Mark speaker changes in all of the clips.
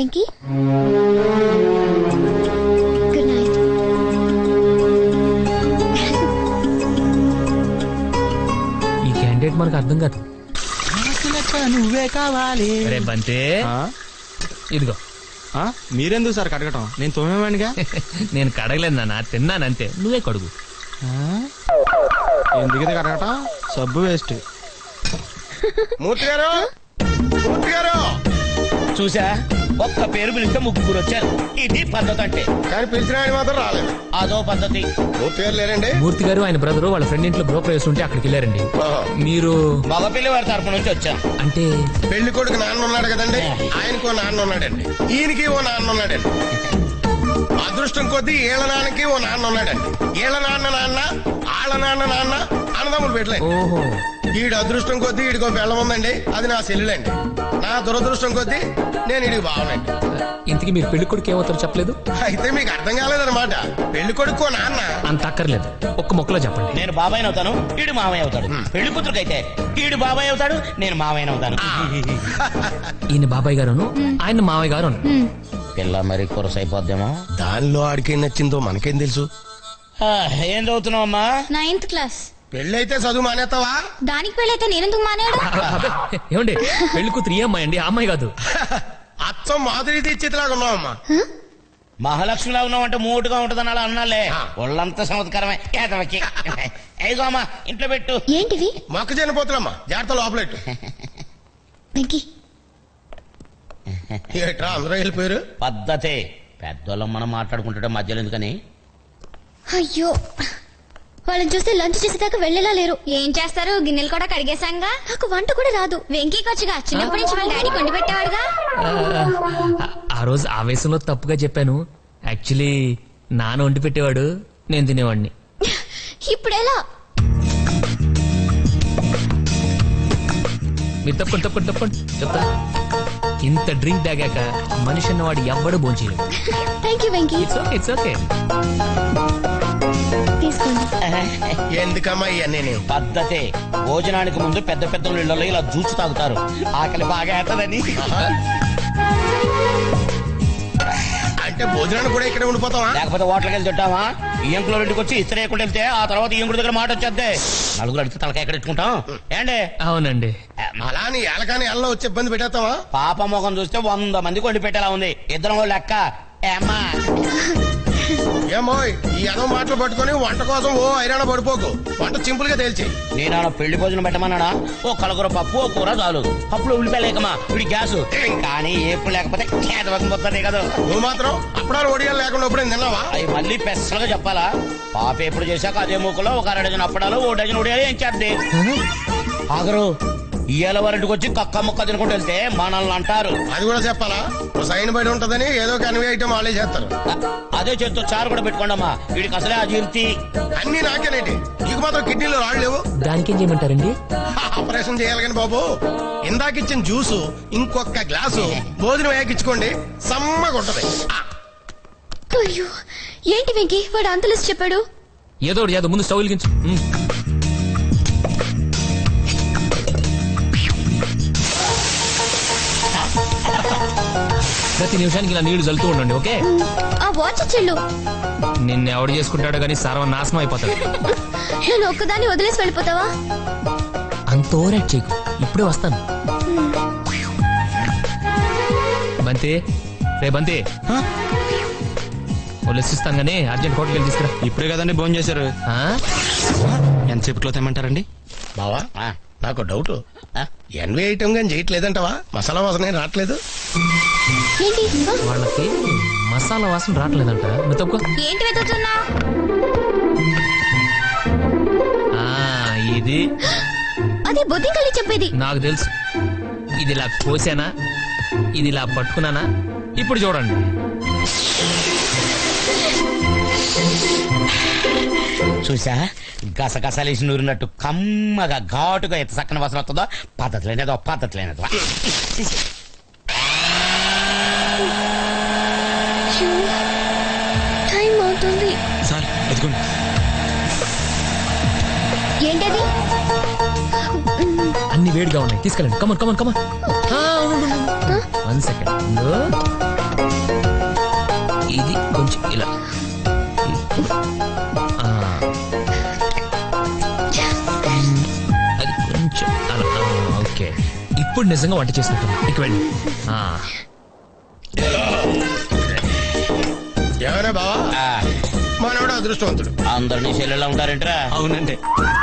Speaker 1: Venky. Good night.
Speaker 2: ఈ candidate మనకు అర్థం కాదు.
Speaker 3: నువ్వే కావాలి.
Speaker 2: రే బంతే, ఇదిగో.
Speaker 3: మీరెందుకు సార్ కడగటం? నేను తోమేవాడిగా.
Speaker 2: నేను కడగలేదు నాన్న, తిన్నానంతే. నువ్వే కడుగు.
Speaker 3: ఎందుకైతే కడగటం? సబ్బు వేస్ట్.
Speaker 4: మూర్తి గారు, మూర్తి గారు
Speaker 5: చూసా, ఒక్క పేరు పిలిస్తే ముగ్గురు వచ్చారు. ఇది పద్ధతి అంటే.
Speaker 4: కానీ పిలిచిన ఆయన మాత్రం రాలేదు.
Speaker 5: అదో పద్ధతి.
Speaker 4: మూర్తి గారు లేరండి?
Speaker 2: మూర్తి గారు ఆయన బ్రదరు వాళ్ళ ఫ్రెండ్ ఇంట్లో గృహప్రవేశం ఉంటే అక్కడికి వెళ్ళారండి. మీరు
Speaker 5: మగ పిల్లి వారి తరపు నుంచి వచ్చా.
Speaker 2: అంటే
Speaker 4: పెళ్లి కొడుకు నాన్న ఉన్నాడు కదండి, ఆయనకు ఓ నాన్న ఉన్నాడండి, ఈయనకి ఓ నాన్న ఉన్నాడండి. అదృష్టం కొద్దీ ఈళ్ళ నాన్నకి ఓ నాన్న ఉన్నాడండి. ఈళ్ళ నాన్న నాన్న, ఆళ్ళ నాన్న నాన్న అన్నదమ్ములు పెట్టలేదు.
Speaker 2: ఓహో,
Speaker 4: ఈడు అదృష్టం కొద్దీ ఈడికో బెల్లం ఉందండి, అది నా సెల్లులండి. నా దురదృష్టం కొద్దీ నేను ఈడికి బావనండి.
Speaker 2: ఇంతకీ మీరు పెళ్లి కొడుకు ఏమవుతారో చెప్పలేదు.
Speaker 4: అయితే మీకు అర్థం కాలేదన్నమాట. పెళ్లి కొడుకు నాన్న
Speaker 2: అంత అక్కర్లేదు, ఒక్క మొక్కలో చెప్పండి.
Speaker 5: నేను బాబాయ్ అవుతాను, ఈడు మామయ్య అవుతాడు. పెళ్లి కూతురుకైతే ఈడు బాబాయ్ అవుతాడు, నేను మామయ్య అవుతాను.
Speaker 2: ఈయన బాబాయ్ గారును, ఆయన మావయ్య గారు.
Speaker 5: పిల్ల మరి కొరసైపోద్దేమో.
Speaker 4: దానిలో ఆడికేం నచ్చిందో మనకేం తెలుసు.
Speaker 5: ఏం చదువుతున్నావు అమ్మా?
Speaker 1: 9th class.
Speaker 4: పెళ్ళైతే చదువు మానేస్తావా?
Speaker 1: దానికి పెళ్ళైతే నేనెందుకు మానేయడం?
Speaker 2: ఏమండి, పెళ్లి కూతురు ఈ అమ్మాయి అండి, ఆ అమ్మాయి కాదు. అచ్చం
Speaker 4: మాధురి దీక్షితులాగా ఉన్నావమ్మా.
Speaker 5: మహాలక్ష్మిలా ఉన్నావు అంటే మూటుగా ఉంటదని అలా అన్నాలే. ఒళ్ళంతా చమత్కారమే. ఏదవకి ఏగో అమ్మా, ఇంట్లో పెట్టు.
Speaker 1: ఏంటివి?
Speaker 4: మొక్కజొన్న పోతులమ్మా, జాగ్రత్త లోపలెట్టు.
Speaker 1: వెంకీ,
Speaker 4: ఏట్రా అందరూ వెళ్ళిపోయారు?
Speaker 5: పద్ధతే. పెద్దోళ్ళం మనం మాట్లాడుకుంటుంటే మధ్యలో ఎందుకని.
Speaker 1: అయ్యో, వాళ్ళని చూస్తే లంచ్ చేసేదాకా వెళ్ళేలా లేరు. ఏం చేస్తారు, గిన్నెలు కూడా కడిగేశాంగా. నాకు వంట కూడా రాదు. వెంకీకి వచ్చుగా, చిన్నప్పటి నుంచి వాళ్ళ డాడీ కొండి పెట్టేవాడుగా.
Speaker 2: ఆ రోజు ఆవేశంలో తప్పుగా చెప్పాను. యాక్చువల్లీ నాన్న వండి పెట్టేవాడు, నేను తినేవాడిని.
Speaker 1: ఇప్పుడెలా?
Speaker 2: మీరు తప్పండి తప్పండి తప్పండి చెప్తా. ఇంత డ్రింక్ తాగాక మనిషి అన్నవాడు ఎవ్వడు భోంచేయలేదు.
Speaker 1: Thank you Venky.
Speaker 2: It's okay.
Speaker 1: తీసుకోండి.
Speaker 4: ఎందుకమ్మా ఇవన్నీ?
Speaker 5: పద్ధతే. భోజనానికి ముందు పెద్ద పెద్ద ఇళ్లలో ఇలా జ్యూస్ తాగుతారు, ఆకలి బాగా అవుతుందని.
Speaker 4: అంటే భోజనానికి కూడా ఇక్కడ ఉండిపోతావా?
Speaker 5: లేకపోతే హోటల్కి వెళ్ళి తింటావా? ఈయంకులో ఇంటికి వచ్చి ఇస్త్రీ వేయకుండా వెళ్తే ఆ తర్వాత ఈయంకుడి దగ్గర మాట వచ్చేద్దే. నలుగురు అడిగితే తలకాయ ఎక్కడ ఎట్టుకుంటాం ఏండి?
Speaker 2: అవునండి.
Speaker 4: అలా నీ ఎలకాని ఎల్లో వచ్చి ఇబ్బంది పెట్టేస్తావా?
Speaker 5: పాప ముఖం చూస్తే 100 మందికి వండి పెట్టేలా ఉంది. ఇద్దరం వాళ్ళు లెక్క. ఏమ్మా
Speaker 4: ఏమో ఈ ఎదో మాటలు పట్టుకొని వంట కోసం ఓ ఐరాణ పడిపోకు. వంట సింపుల్ గా తేల్చి.
Speaker 5: నేను పెళ్లి భోజనం పెట్టమన్నాడా? ఓ కలగూర పప్పు, ఓ కూర చాలు. పప్పులో ఉల్లిపాయ లేకమా, ఇప్పుడు గ్యాస్. కానీ ఎప్పుడు లేకపోతే పోతుంది కదా.
Speaker 4: నువ్వు మాత్రం అప్పుడాలు ఒడియాలు లేకుండా ఎప్పుడు తిన్నావా?
Speaker 5: అవి మళ్ళీ పెసలుగా చెప్పాలా? పాప ఎప్పుడు చేశాక అదే మూకలో ఒక 2 డజన్ అప్పడాలు, 1 డజన్ ఒడియాలు ఏం చేద్ది. ఆగరు ఇయ్యాల వారింటికి వచ్చి కక్క ముక్క తినుకుంటూ వెళ్తే మనల్ని అంటారు.
Speaker 4: అది కూడా చెప్పాలా? సైన్ బయట ఉంటదని ఏదో కన్వే ఐటమ్ వాళ్ళే చేస్తారు.
Speaker 5: అదే చేత్తో చారు కూడా పెట్టుకోండమ్మా, వీడికి అసలే అజీర్తి.
Speaker 4: అన్ని నాకేనేటి, నీకు మాత్రం కిడ్నీలో రాళ్ళు లేవు.
Speaker 2: దానికేం చేయమంటారండి?
Speaker 4: ఆపరేషన్ చేయాలి కానీ బాబు, ఇందాకిచ్చిన జ్యూసు ఇంకొక గ్లాసు భోజనం వేయకిచ్చుకోండి, సమ్మగా ఉంటది.
Speaker 1: అయ్యో, ఏంటి వెంకీ వాడు అంతలిసి చెప్పాడు?
Speaker 2: ఏదో ముందు స్టవ్ వెలిగించు. ప్రతి నిమిషానికి ఇలా నీళ్లు చల్లుతూ ఉండండి, ఓకే?
Speaker 1: ఆ వాచ్ చెల్లు
Speaker 2: నిన్ను ఎవడు చేసుకుంటాడో గానీ సర్వనాశనం అయిపోతాడు.
Speaker 1: నేను ఒక్కదాన్ని వదిలేసి వెళ్ళిపోతావా?
Speaker 2: అంత ఓవరాక్ట్ చేయకు, ఇప్పుడే వస్తాను. బంతి, రే బంతి, వదిలేసిస్తాను గానీ అర్జెంట్ హోటల్కి వెళ్ళి తీసుకురా.
Speaker 3: ఇప్పుడే కదండి భోజనం చేశారు. ఎంతసేపట్లో తెమ్మంటారండి?
Speaker 4: బావా నాకు డౌట్, ఎన్వే ఐటమ్ గాని చేయట్లేదంటవా? మసాలా వాసన ఏం రావట్లేదు.
Speaker 1: ఏంటి?
Speaker 2: వాళ్ళకి మసాలా వాసన రావట్లేదంట. నువ్వు తప్పుకో.
Speaker 1: ఏంటి వెతుకుతున్నా?
Speaker 2: ఇది
Speaker 1: అది బొద్దింకల్లి చెప్పేది.
Speaker 2: నాకు తెలుసు. ఇది ఇలా కోసానా, ఇది ఇలా పట్టుకున్నానా, ఇప్పుడు చూడండి.
Speaker 5: చూసా, గసగసాలేసి నూరినట్టు కమ్మగా ఘాటుగా ఎంత చక్కని వాసన వస్తుందో. పద్ధతి లేనేదో, పద్ధతి లేనేదో.
Speaker 1: టైం అవుతుంది.
Speaker 3: సార్ ఎదుగుండి.
Speaker 1: ఏంటది?
Speaker 2: అన్ని వేడిగా ఉన్నాయి, తీసుకెళ్ళండి. Come on come on come on. 1 సెకండ్. ఇది కొంచెం ఇలా. ఆ. అది కొంచెం అలా. ఓకే, ఇప్పుడు నిజంగా వంట చేసినట్టు. ఇక వెళ్ళి.
Speaker 4: ఏమైనా బావా
Speaker 5: ఆ,
Speaker 4: మనోడు అదృష్టవంతుడు.
Speaker 5: అందరినీ చెల్లెళ్ళ ఉంటారేంట్రా?
Speaker 3: అవునండి.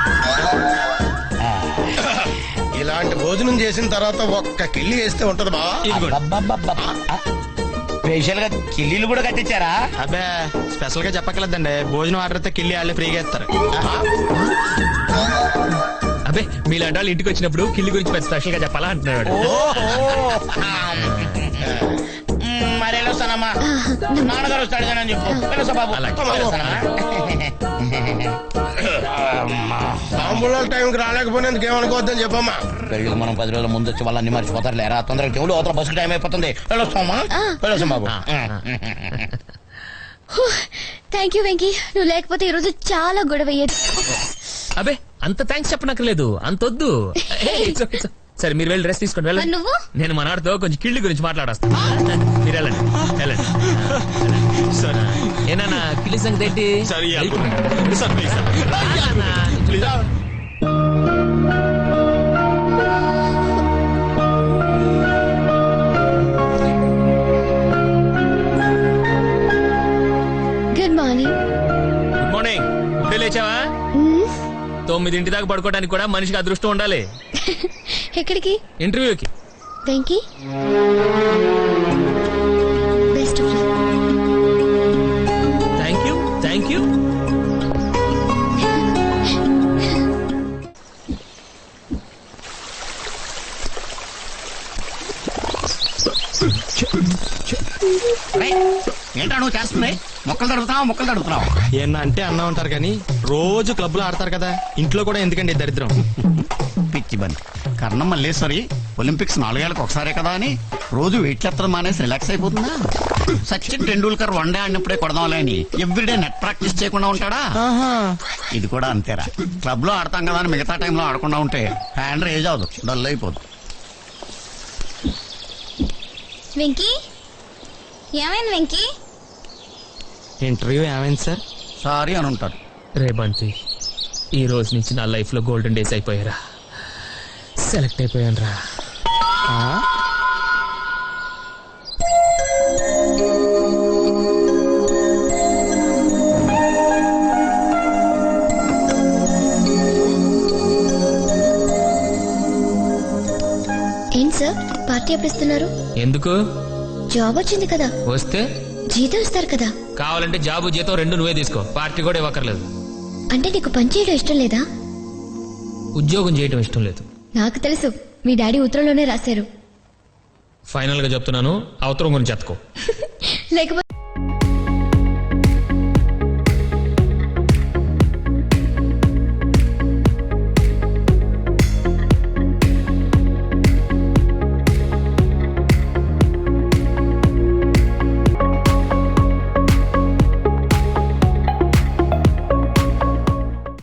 Speaker 4: ఇలాంటి భోజనం చేసిన తర్వాత ఒక్క కిల్లి వేస్తే ఉంటది బావా.
Speaker 5: స్పెషల్ గా కిల్లీలు కూడా కట్టించారా?
Speaker 3: అబ్బే స్పెషల్ గా చెప్పక్కర్లేదండి, భోజనం ఆర్డర్ అయితే కిల్లి వాళ్ళే ఫ్రీగా ఇస్తారు.
Speaker 2: అబ్బే మీలాంటి వాళ్ళు ఇంటికి వచ్చినప్పుడు కిల్లి గురించి పెద్ద స్పెషల్ గా చెప్పాలా అంటున్నాడు.
Speaker 5: మరి వెళ్ళొస్తానమ్మా, నాన్నగారు వస్తాడు కానీ అని చెప్పు. వెళ్ళొస్తా బాబు.
Speaker 2: అలాగే.
Speaker 5: వెళ్ళొస్తానమ్మా.
Speaker 4: తాంబూలాల టైంకి రాలేకపోయినందుకు ఏమనుకోవద్దని చెప్పమ్మా.
Speaker 5: పెళ్ళికి మనం 10 రోజుల ముందు వచ్చి వాళ్ళని మర్చిపోతారు లేరా? తొందరగా చెవులు అవతల బస్సు టైం అయిపోతుంది. వెళ్ళొస్తామా? వెళ్ళొస్తాం బాబు.
Speaker 1: థ్యాంక్ యూ వెంకీ, నువ్వు లేకపోతే ఈ రోజు చాలా గొడవ అయ్యేది.
Speaker 2: అబ్బే అంత థ్యాంక్స్ చెప్పనక్కర్లేదు, అంత వద్దు. సరే మీరు వెళ్ళి డ్రెస్ తీసుకోండి, వెళ్ళండి.
Speaker 1: మరి నువ్వు?
Speaker 2: నేను మనవాడితో కొంచెం కిళ్ళి గురించి మాట్లాడొస్తాను. మీరు వెళ్ళండి, వెళ్ళండి.
Speaker 3: సరే
Speaker 2: ఏనా కిళ్ళి సంగతి ఏంటి?
Speaker 3: సరే sir please sir.
Speaker 2: Please.
Speaker 1: Good morning.
Speaker 2: Good morning. ఇప్పుడే లేచావా? 9 దాకా పడుకోవడానికి కూడా మనిషికి అదృష్టం ఉండాలి.
Speaker 1: ఎక్కడికి?
Speaker 2: ఇంటర్వ్యూకి.
Speaker 1: Venky, best of luck.
Speaker 2: Thank you, thank you.
Speaker 5: ఏంటా నువ్వు చేస్తుంది? మొక్కలు తడుపుతున్నావు.
Speaker 3: ఏమన్నా అంటే అన్నా ఉంటారు కానీ రోజు క్లబ్ లో ఆడతారు కదా, ఇంట్లో కూడా ఎందుకండి ఈ దరిద్రం?
Speaker 6: పిచ్చి బండి కర్ణం మల్లేశ్వరి ఒలింపిక్స్ 4 ఏళ్ళకి ఒకసారే కదా అని రోజు వెయిట్ చేత్తడం మానేసి రిలాక్స్ అయిపోతుందా? సచిన్ టెండూల్కర్ 1 డే ఆడినప్పుడే కొడదాంలే అని ఎవ్రీడే నెట్ ప్రాక్టీస్ చేయకుండా ఉంటాడా? ఇది కూడా అంతేరా. క్లబ్ లో ఆడతాం కదా అని మిగతా టైంలో ఆడకుండా ఉంటే హ్యాండ్ రేజ్ అవదు, డల్ అయిపోదు.
Speaker 1: వెంకీ, ఏమైంది వెంకీ?
Speaker 3: ఇంటర్వ్యూ ఏమైంది సార్?
Speaker 6: సారీ అని ఉంటారు.
Speaker 2: రే బంటి, ఈ రోజు నుంచి నా లైఫ్ లో గోల్డెన్ డేస్ అయిపోయారా. సెలెక్ట్ అయిపోయాను రా.
Speaker 1: ఏంటి సార్, పార్టీ ఎప్పుడు ఇస్తున్నారు?
Speaker 2: ఎందుకు?
Speaker 1: జాబ్ వచ్చింది కదా,
Speaker 2: వస్తే
Speaker 1: జీతం ఇస్తారు కదా.
Speaker 2: కావాలంటే జాబు జీతం 2 నువ్వే తీసుకో, పార్టీ కూడా ఇవ్వక్కర్లేదు.
Speaker 1: అంటే నీకు పని చేయడం ఇష్టం లేదా?
Speaker 2: ఉద్యోగం చేయటం ఇష్టం లేదు.
Speaker 1: నాకు తెలుసు, మీ డాడీ ఉత్తరంలోనే రాశారు.
Speaker 2: ఫైనల్ గా చెప్తున్నాను, అవతరం గురించి ఎత్తుకో.
Speaker 1: లేకపోతే